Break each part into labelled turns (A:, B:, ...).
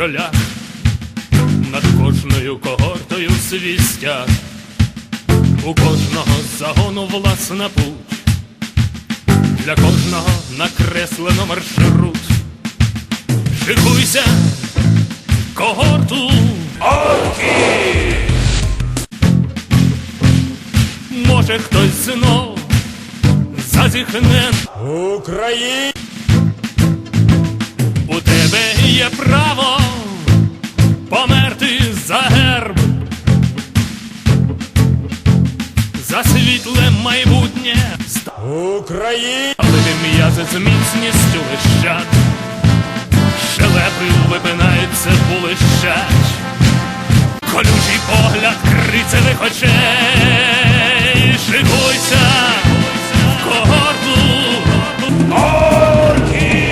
A: шлях, над кожною когортою свій стяг, у кожного загону власна путь, для кожного накреслено маршрут. Шикуйся, когорту орки! Може хтось знов зазіхне
B: Україна!
A: У тебе є право померти за герб, за світле майбутнє.
B: Україна!
A: Але м'язи з міцністю лищать, щелепи випинаються, булищать, колючий погляд крицевих очей. Шикуйся в когорту орки!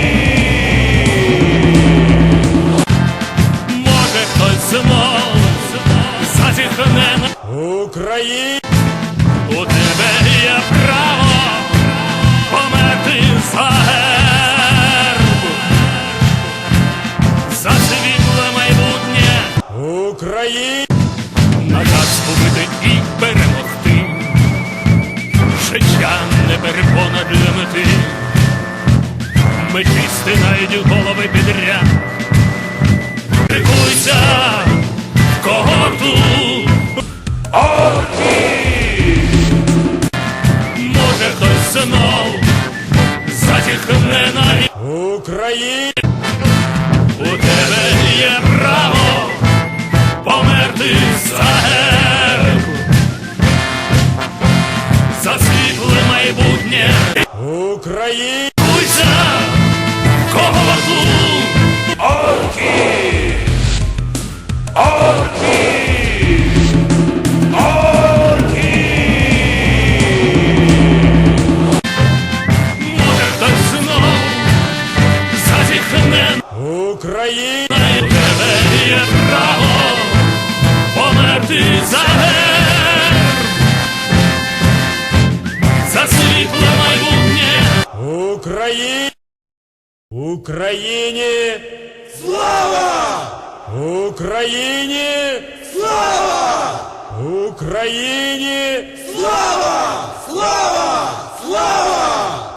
A: Може хтось знов зазіхне
B: Україна!
A: У тебе є право померти за герб, за світле майбутнє.
B: Україна!
A: Наказ побити і перемогти, життя не перепона для мети. Мечі стинають голови підряд. Шикуйся в когорту орки! Може хтось знов зазіхне на
B: Україна!
A: У тебе є право померти за герб, за світле майбутнє.
B: Україна!
A: Шикуйся в когорту орки! Орки! Орки! Може хтось знов зазіхне
B: Україна!
A: на тебе є право померти за герб, за світле майбутнє.
B: Україна! Україні! Слава! Україні! Слава! Україні! Слава! Слава! Слава!